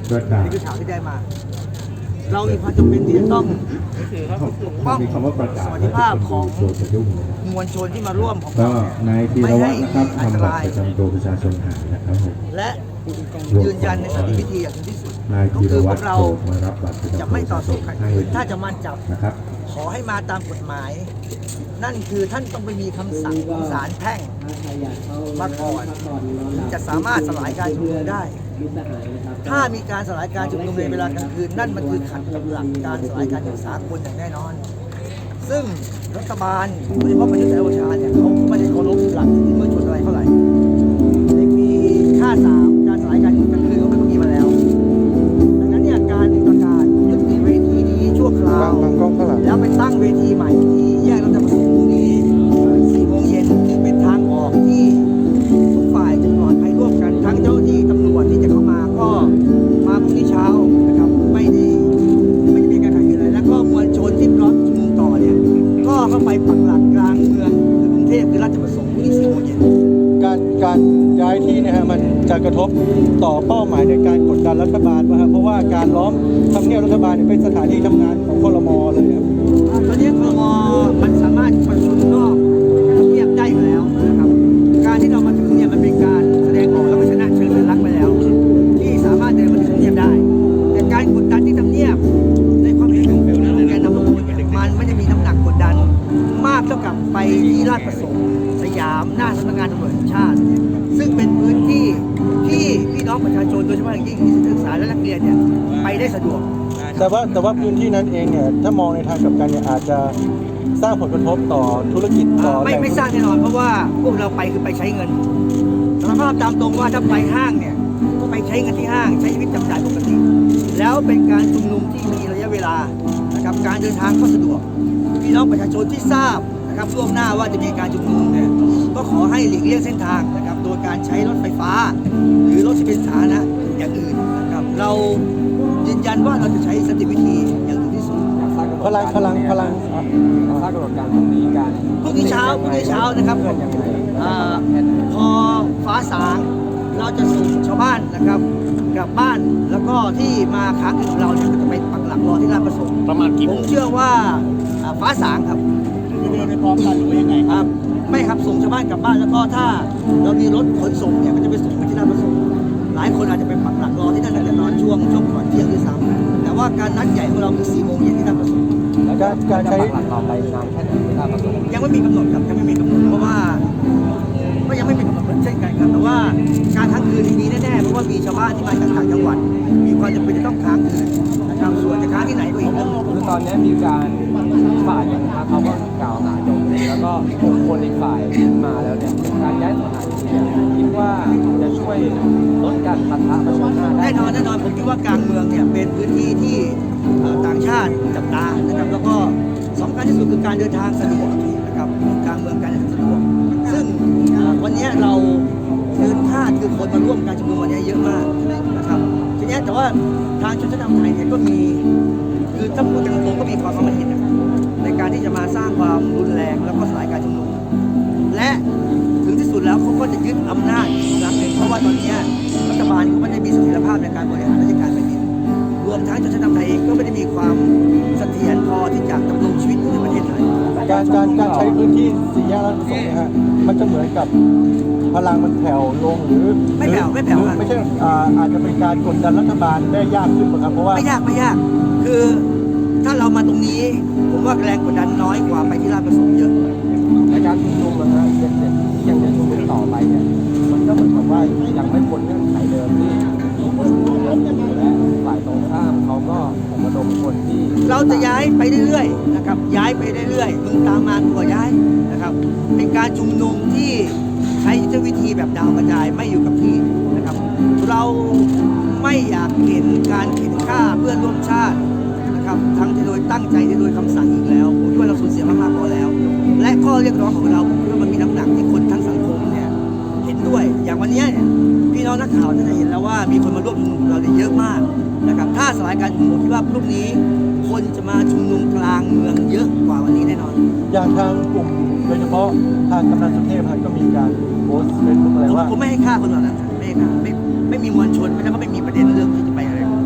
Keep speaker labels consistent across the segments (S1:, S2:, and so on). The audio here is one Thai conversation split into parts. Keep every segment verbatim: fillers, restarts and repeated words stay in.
S1: นี่คือข่าวที่ได้มา เรามีความจำเป็นที่จะต้องปกป้องสวัสดิภาพของมวลชนที่มาร่วมของ
S2: ก็
S1: เรา
S2: นายธีร
S1: ไม่
S2: วั
S1: ให้
S2: ฒน์นะครับ
S1: อันต
S2: ทำบัต
S1: ราร ย
S2: ประจำตัวประชาชนหายนะครับผม
S1: และยืนยันในสันติวิธีอย่างถึงที่สุด
S2: นาย
S1: ก็
S2: ธีร
S1: คือพ
S2: วั
S1: ว
S2: ฒ
S1: ก
S2: น์
S1: เรา
S2: โผล่มารับบัตรประจำตัว
S1: จะไม่ต่อสู้ขัดขืนถ้าจะมั่นจับ
S2: นะครับ
S1: ขอให้มาตามกฎหมาย นั่นคือท่านต้องไปมีคำสั่งของศาลแพ่งมาก่อนจะสามารถสลายการชุมนุมได้ ถ้ามีการสลายการชุมนุมในเวลากลางคืนนั่นมันคือขัดกับหลักการสลายการอย่างสากลอย่างแน่นอน ซึ่งรัฐบาลโดยเฉพาะประยุทธ์จันทร์โอชาเนี่ยเขาไม่ได้เคารพหลักสิทธิมนุษยชนอะไรเท่าไหร่ในปีห้าสามการสลายการชุมนุมกลางคืนเขาไม่ก็มีมาแล้วดังนั้นเนี่ยการประกาศยุติเวทีนี้ชั่วคราวแล้วไปตั้งเวทีใหม่ที่แยกราชประสงค์พรุ่งนี้สี่โมงเย็นจึงเป็นทางออกที่ทุกฝ่ายจะปลอดภัยร่วมกันทั้งเจ้าหน้าที่ตำรวจที่จะเข้ามาก็มาพรุ่งนี้เช้านะครับไม่ได้ไม่ได้มีการขัดขืนอะไรแล้วก็มวลชนที่พร้อมชุมนุมต่อเนี่ยก็เข้าไปปักหลักกลางเมืองคือกรุงเทพคือราชประสงค์พรุ่งนี้สี่โมงเย็น
S3: การการย้ายที่นะฮะมันจะกระทบต่อเป้าหมายในการกดดันรัฐบาลนะครับเพราะว่าการล้อมทำเนียบรัฐบาลเนี่ยเป็นสถานที่ทำงานของครม.เลยครับ
S1: ตอนนี้ครม.มันสามารถประชุมนอกทำเนียบได้อยู่แล้วนะครับการที่เรามาถึงเนี่ยมันเป็นการแสดงออกและชนะเชิงสัญลักษณ์ไปแล้ว ที่สามารถเดินมาถึงทำเนียบได้ แต่การกดดันที่ทำเนียบในความเห็นของผมและแกนนำทุกคนเนี่ยมันไม่ได้มีน้ำหนักกดดันมากเท่ากับไปที่ราชประสงค์สยามหน้าสำนักงานตำรวจแห่งชาติ ซึ่งเป็นพื้นที่ที่พี่น้องประชาชนโดยเฉพาะอย่างยิ่งนิสิตนักศึกษาและนักเรียนเนี่ยไปได้สะดวก
S3: แต่ว่าแต่ว่าพื้นที่นั้นเองเนี่ยถ้ามองในทางกลับกันเนี่ยอาจจะสร้างผลกระทบต่อธุรกิจต่อ
S1: ไม่ไม่สร้างแน่นอนเพราะว่าพวกเราไปคือไปใช้เงินสารภาพตามตรงว่าถ้าไปห้างเนี่ยก็ไปใช้เงินที่ห้างใช้ชีวิตจับจ่ายปกติ แล้วเป็นการชุมนุมที่มีระยะเวลานะครับการเดินทางก็สะดวกพี่น้องประชาชนที่ทราบนะครับล่วงหน้าว่าจะมีการชุมนุมเนี่ยก็ขอให้หลีกเลี่ยงเส้นทางนะครับโดยการใช้รถไฟฟ้า หรือรถที่เป็นสาธารณะอย่างอื่นนะครับเรายืนยันว่าเราจะใช้สันติวิธีอย่างถึงที่สุด
S3: พลังพลังพลัง
S4: สร้างกำหนดการตรงนี้การ
S1: พรุ่งนี้เช้าพรุ่งนี้เช้านะครับอ่าพอฟ้าสางเราจะส่งชาวบ้านนะครับกลับบ้านแล้วก็ที่มาค้างคืนกับเราเนี่ยก็จะไปปักหลักรอที่ราชประสงค์ประมาณกี่ผมเชื่อว่าอ่าฟ้าสางครับจะเดินไปพร้อมกันหรือยังไงครับไม่ครับส่งชาวบ้านกลับบ้านแล้วก็ถ้าเรามีรถขนส่งเนี่ยก็จะไปส่งไปที่ราชประสงค์หลายคนอาจจะไปปักหลักรอที่นั่นแต่นอนช่วงช่วงก่อนเที่ยงด้วยซ้ำแต่ว่าการนัดใหญ่ของเราคือสี่โมงเย็นที่ราชประสงค์
S3: การการใช้
S4: หลักต่อไปนานแค่ไหนที่ราชประสงค์
S1: ยังไม่มีกำหนดครับยังไม่มีกำหนดเพราะว่าก็ยังไม่มีกำหนดเหมือนเช่นกันครับแต่ว่าการค้างคืนมีแน่ๆเพราะว่ามีชาวบ้านที่มาจากต่างจังหวัดมีความจำเป็นจะต้องค้างคืนนะครับส่วนจะค้างที่ไหนก็อีกเรื่องหนึ่ง
S4: คือตอนนี้มีการฝ่ายหนึ่งนะเขาก็กล่าวหาโจมตีแล้วก็บุคคลอีกฝ่ายมาแล้วเนี่ยการย้ายสถานที่เนี่ยคิดว่าจะช่วยลดการปะทะประชันหน้าได้
S1: แน่นอนแน่นอนผมคิดว่ากลางเมืองเนี่ยเป็นพื้นที่ที่เอ่อต่างชาติจับตานะครับแล้วก็สำคัญที่สุดคือการเดินทางสะดวกนะครับกลางเมืองการเดินทางสะดวกซึ่งเอ่อวันนี้เราเดินคาดคือคนมาร่วมการชุมนุมวันนี้เยอะมากนะครับทีนี้แต่ว่าทางชนชั้นนำไทยเนี่ยก็มีคือถ้าพูดตรงๆก็มีความคิดเห็นนะครับในการที่จะมาสร้างความรุนแรงแล้วก็สลายการชุมนุมและถึงที่สุดแล้วเขาก็จะยึดอำนาจอีกครั้งหนึ่งเพราะว่าตอนนี้รัฐบาลเขาไม่ได้มีเสถียรภาพในการบริหารราชการแผ่นดินรวมทั้งชนชั้นนำไทยเองก็ไม่ได้มีความเสถียรพอที่จะดำรงชีวิตอยู่ในประเทศไทย
S3: การการการใช้พื้นที่สี่แยกราชประสงค์เนี่ยฮะมันจะเหมือนกับพลังมันแผ่วลงหรือ
S1: ไม่แผ่วไม่แผ่ว
S3: หรือ
S1: ครับ
S3: ไม่ใช่อ่าอาจจะเป็นการกดดันรัฐบาลได้ยากขึ้นป่ะครับเพราะว่า
S1: ไม่ยากไม่ยาก คือถ้าเรามาตรงนี้ผมว่าแรงกดดันน้อยกว่าไปที่ราชประสงค์เยอะ
S4: ในการชุมนุมนะฮะยังจะยังจะชุมนุมต่อไปเนี่ยมันก็เหมือนกับว่ายังไม่พ้นเงื่อนไขเดิมที่มีคนชุมนุมเยอะอยู่และฝ่ายตรงข้ามเขาก็ผมระดมคนที่
S1: เราจะย้ายไปเรื่อยๆนะครับย้ายไปเรื่อยๆมึงตามมากูก็ย้ายนะครับเป็นการชุมนุมที่ใช้ยุทธวิธีแบบดาวกระจายไม่อยู่กับที่นะครับเราไม่อยากเห็นการเข็นฆ่าเพื่อนร่วมชาตินะครับทั้งโดยตั้งใจโดยคำสั่งอีกแล้วผมคิดว่าเราสูญเสียมากๆพอแล้ว และข้อเรียกร้องของเราผมคิดว่ามันมีน้ำหนักที่คนทั้งสังคมเนี่ยเห็นด้วยอย่างวันนี้เนี่ยพี่น้องนักข่าวจะเห็นแล้วว่ามีคนมาร่วมชุมนุมกับเราเนี่ยเยอะมากนะครับถ้าสลายการชุมนุมคิดว่าพรุ่งนี้คนจะมาชุมนุมกลางเมืองเยอะกว่าวันนี้แน่นอน
S3: อย่างทางกลุ่มโดยเฉพาะทางกำนันสุเทพก็มีการโพสต์เฟซบุ๊กอะไร
S1: ผม
S3: ว่า
S1: ผมไม่ให้ค่าคนเหล่านั้นไม่ให้ค่าไม่ไม่มีมวลชนไม่แล้วก็ไม่มีประเด็นเรื่องที่จะไปอะไร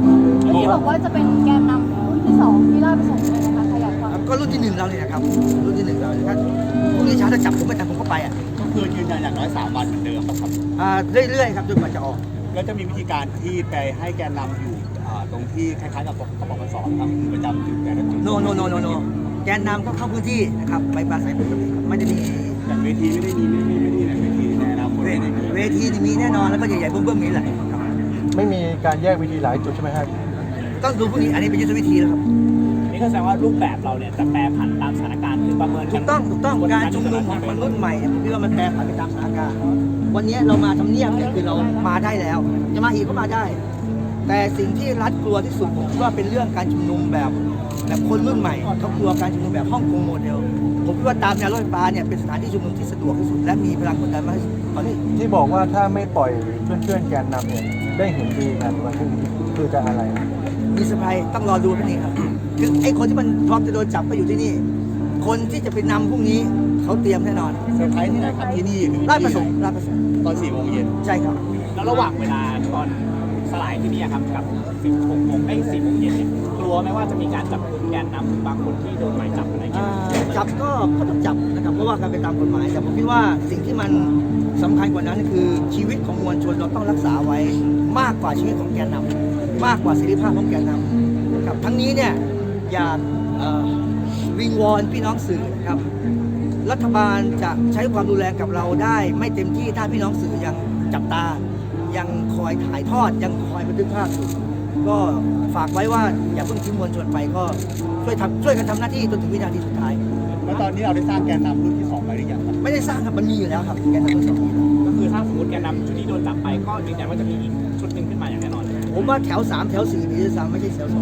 S5: บอกว่าจะเป็นแกนนำรุ่นที่สองที่ได้ไปส่งเลยนะคะขยายความ
S1: ก็รุ่นที่หนึ่งเราเนี่ยนะครับรุ่นที่หนึ่งเราเนี่ยถ้าพรุ่งนี้เช้าจะจับผมไม่ทันผมก็ไปอ่ะ
S6: ก็คือยืนยันอย่างน้อยสามวันเหมือนเดิมป่ะครับ
S1: อ่าเรื่อยๆครับจนกว่าจะออก
S6: แล้วจะมีวิธีการที่ไปให้แกนนำอยู่อ่าตรงที่คล้ายๆกับกบพศครับคือประจำจุดแต่ละจุด
S1: โนโนโนโนโนแกนนำก็เข้าพื้นที่นะครับไปปราศัยปกติครับไม่ได้มี
S6: อย่างเวทีไม่ได้มีไม่ได้มีไม่ได้มีเวทีในอนาคต
S1: เว
S6: ไม่ได้มี
S1: เวทีนี่มีแน่นอนแล้วก็ใหญ่ๆเบิ่มๆนี้แหละครับ
S3: ไม่มีการแยกวิธีหลายจุดใช่ไหมครับ
S1: ต้องดูพวกนี้อันนี้เป็นยุทธวิธีแล้วครับ
S7: นี่ก็แสดงว่ารูปแบบเราเนี่ยจะแปรผันตามสถานการณ์คือประเมิน
S1: ถูกต้องถูกต้องการชุมนุมของคนรุ่นใหม่เนี่ยผมคิดว่ามันแปรผันไปตามสถานการณ์วันนี้เรามาทำเนียบเนี่ยคือเรามาได้แล้วจะมาอีกก็มาได้ แต่สิ่งที่รัฐกลัวที่สุดผมคิดว่าเป็นเรื่องการชุมนุมแบบแบบคนรุ่นใหม่เขากลัวการชุมนุมแบบฮ่องกงโมเดลผมคิดว่าตามแนวรถไฟฟ้าเนี่ยเป็นสถานที่ชุมนุมที่สะดวกที่สุดและมีพลังกดดันมากที่สุดตอนนี้
S3: ที่บอกว่าถ้าไม่ปล่อยเพื่อนๆแกนนำเนี่ยได้เห็นดีกันวันพรุ่งนี้คือจะอะไรนะ
S1: มีเซอร์ไพรส์ต้องรอดูพรุ่งนี้ครับคือไอ้คนที่มันพร้อมจะโดนจับไปอยู่ที่นี่ คนที่จะไปนำพรุ่งนี้เขาเตรียมแน่นอน
S6: เซอร์ไพรส์ที่ไหนครับที่นี่หรือ
S1: ราชประส
S6: ที่
S1: ง
S6: ไห
S1: ค์
S6: น
S1: ราชประสงค์
S6: ตอนสี่โมงเย็น
S1: ใช่ครับ
S7: แล้วระหว่างเวลาตอนสลายที่นี่ครับกับสิบหกโมงไอ้สี่โมงเย็นเนี่ยกลัวไหมว่าจะมีการจับกลุ่มแกนนำบางคนที่โดนหมายจับอะไรอย่างเงี้
S1: อ่าย จับก็ก็ต้องจับนะครับเพราะว่าการไปตามกฎหมายแต่ผมคิดว่าสิ่งที่มันสำคัญกว่านั้นคือชีวิตของมวลชนเราต้องรักษาไว้มากกว่าชีวิตของแกนนำมากกว่าเสรีภาพของแกนนำนะครับทั้งนี้เนี่ยอยากเอ่อวิงวอนพี่น้องสื่อนะครับรัฐบาลจะใช้ความรุนแรงกับเราได้ ไม่เต็มที่ถ้าพี่น้องสื่อยังจับตา ยังคอยถ่ายทอดยังคอยบันทึกภาพอยู่ก็ฝากไว้ว่าอย่าเพิ่งทิ้งมวลชนไปก็ช่วยทำช่วยกันทำหน้าที่จนถึงวินาทีสุดท้าย
S6: แล้วตอนนี้เราได้สร้างแกนนำรุ่นที่สองไปหรือยังครับ
S1: ไม่ได้สร้างครับมันมีอยู่แล้วครับแกนนำทั้งสองมีแล้ว
S7: ก็คือถ้าสมมติแกนนำชุดที่โดนจับไปก็ยืนยันว่าจะมีอีกชุดหนึ่งขึ้นมาอย่างแน่นอน
S1: ผมว่าแถวสามแถวสี่มีด้วยซ้ำไม่ใช่แถวสอง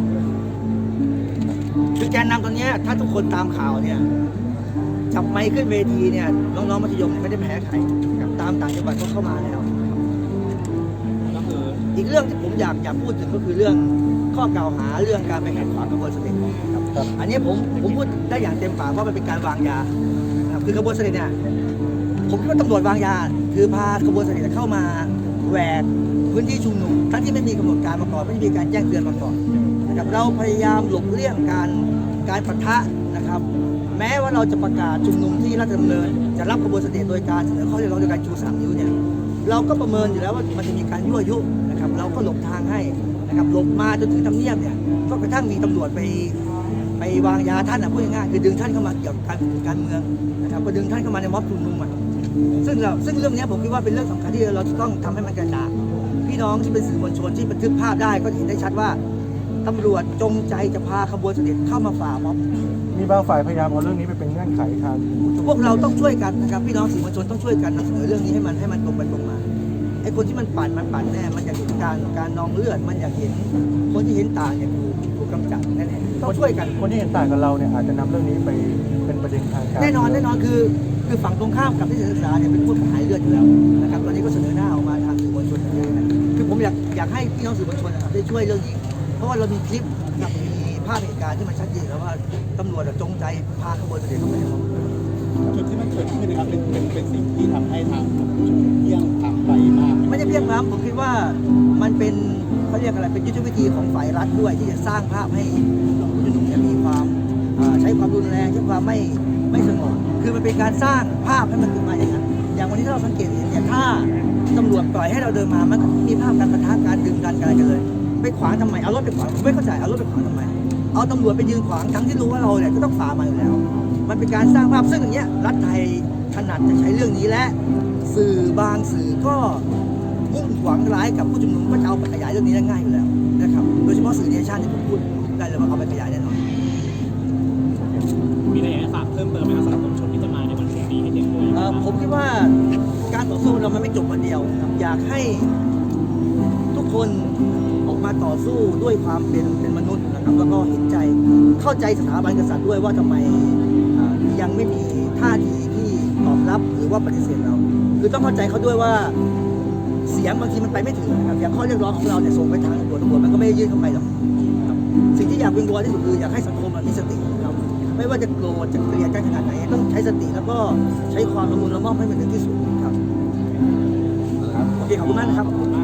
S1: คือแกนนำตอนเนี้ยถ้าทุกคนตามข่าวเนี่ยจับไมค์ขึ้นเวทีเนี่ยน้องๆมัธยมเนี่ยไม่ได้แพ้ใครกับตามต่างจังหวัดก็เข้ามาแล้ว
S7: ก็คือ
S1: อีกเรื่องที่ผมอยากอยากพูดถึงก็คือเรื่องข้อกล่าวหาเรื่องการไปขัดขวางกระบวนเสด็จครับ
S3: ครับ
S1: อันนี้ผมผมพูดได้อย่างเต็มปากว่ามันเป็นการวางยานะครับคือกระบวนเสด็จเนี่ยผมคิดว่าตำรวจวางยา คือพากระบวนเสด็จเข้ามาแหวกพื้นที่ชุมนุมทั้งที่ไม่มีกำหนดการมาก่อนไม่มีการแจ้งเตือนมาก่อนนะครับเราพยายามหลบเลี่ยงการการปะทะนะครับ แม้ว่าเราจะประกาศชุมนุมที่ราชดำเนินจะรับกระบวนเสด็จโดยการเสนอข้อเรียกร้องโดยการชูสามนิ้วเนี่ยเราก็ประเมินอยู่แล้วว่ามันจะมีการยั่วยุนะครับเราก็หลบทางให้นะครับหลบมาจนถึงทำเนียบเนี่ยก็กระทั่งมีตำรวจไปไปวางยาท่านนะพูดง่ายๆคือดึงท่านเข้ามาเกี่ยวกับการการเมืองนะครับก็ดึงท่านเข้ามาในม็อบชุมนุมอ่ะซึ่งเราซึ่งเรื่องเนี้ยผมคิดว่าเป็นเรื่องสำคัญที่เราจะต้องทำให้มันกระจ่างพี่น้องที่เป็นสื่อมวลชนที่บันทึกภาพได้ก็เห็นได้ชัดว่าตำรวจจงใจจะพาขบวนเสด็จเข้ามาฝ่าม็อบ
S3: มีบางฝ่ายพยายามเอาเรื่องนี้ไปเป็นเงื่อนไขทางผู้ชุมนุม
S1: พวกเราต้องช่วยกันนะครับพี่น้องสื่อมวลชนต้องช่วยกันนำเสนอเรื่องนี้ให้มันให้มันตรงไปตรงมาไอ้คนที่มันปั่นมันปั่นแน่มันอยากเห็นการการนองเลือดมันอยากเห็นคนที่เห็นต่างเนี่ยถูกถูกกำจัดแน่ๆต้องช่วยกัน
S3: คนที่เห็นต่างกับเราเนี่ยอาจจะนำเรื่องนี้ไปเป็นประเด็นทางการ
S1: แน่นอนแน่นอนคือคือฝั่งตรงข้ามกับที่ศึกษาเนี่ยเป็นผู้หายเลือดอยู่แล้วนะครับตอนนี้ก็เสนอหน้าออกมาทางสื่อมวลชนอย่างนี้นะคือผมอยากอยากให้พี่น้องสื่อมวลชนนะครับได้ช่วยเรื่องนี้ เพราะว่าเรามีคลิปกับมีภาพเหตุการณ์ที่มันชัดเจนแล้วว่าตำรวจจงใจพาขบวนเสด็จเข้าไปในม็อบ
S6: จุดที่มันเกิดขึ้นนะครับเป็นเป็นเป็นสิ่งที่ทำให้ทางผู้ชุมนุมเที่ยงทำไปมาก
S1: ไม่ใช่เพียงพร้ำผมคิดว่ามันเป็นเขาเรียกอะไรเป็นยุทธวิธีของฝ่ายรัฐด้วยที่จะสร้างภาพให้ผู้ชุมนุมเนี่ยมีความอ่าใช้ความรุนแรงใช้ความไม่ไม่สงบคือมันเป็นการสร้างภาพให้มันขึ้นมาอย่างนั้นอย่างวันนี้ถ้าเราสังเกตเห็นเนี่ยถ้าตำรวจปล่อยให้เราเดินมามันก็มีภาพการปะทะการดึงกันกันกันเลยไปขวางทำไมเอารถไปขวางผมไม่เข้าใจเอารถไปขวางทำไมเอาตำรวจไปยืนขวางทั้งที่รู้ว่าเราเนี่ยก็ต้องฝ่ามาอยู่แล้ว มันเป็นการสร้างภาพซึ่งอย่างเงี้ยรัฐไทยถนัดจะใช้เรื่องนี้และสื่อบางสื่อก็มุ่งหวังร้ายกับผู้ชุมนุมก็จะเอาไปขยายเรื่องนี้ได้ง่ายอยู่แล้วนะครับโดยเฉพาะสื่อเนชั่นที่ผมพูดได้เลยว่าเอาไปขยายแน่นอน
S7: มีอะไรอยากจะฝากเพิ่มเติมไหมครับสำหรับมวลชนที่จะมาในวันพรุ่งนี้ให้เตรียมตัวยังไง
S1: เอ่อ
S7: บ้าง
S1: ผมคิดว่าการต่อสู้เรามันไม่จบวันเดียวครับอยากให้ทุกคนออกมาต่อสู้ด้วยความเป็นเป็นมนุษย์นะครับแล้วก็เห็นใจเข้าใจสถาบันกษัตริย์ด้วยว่าทำไมอ่ายังไม่มีท่าทีที่ตอบรับหรือว่าปฏิเสธเรา คือต้องเข้าใจเขาด้วยว่าเสียงบางทีมันไปไม่ถึงนะครับอย่างข้อเรียกร้องของเราเนี่ยส่งไปทางตำรวจตำรวจมันก็ไม่ได้ยื่นเข้าไปหรอกครับสิ่งที่อยากวิงวอนที่สุดคืออยากให้สังคมมีสตินะครับไม่ว่าจะโกรธจะเกลียดกันขนาดไหนต้องใช้สติแล้วก็ใช้ความละมุนละม่อมให้มันถึงที่สุดครับโอเคขอบคุณมากนะครับ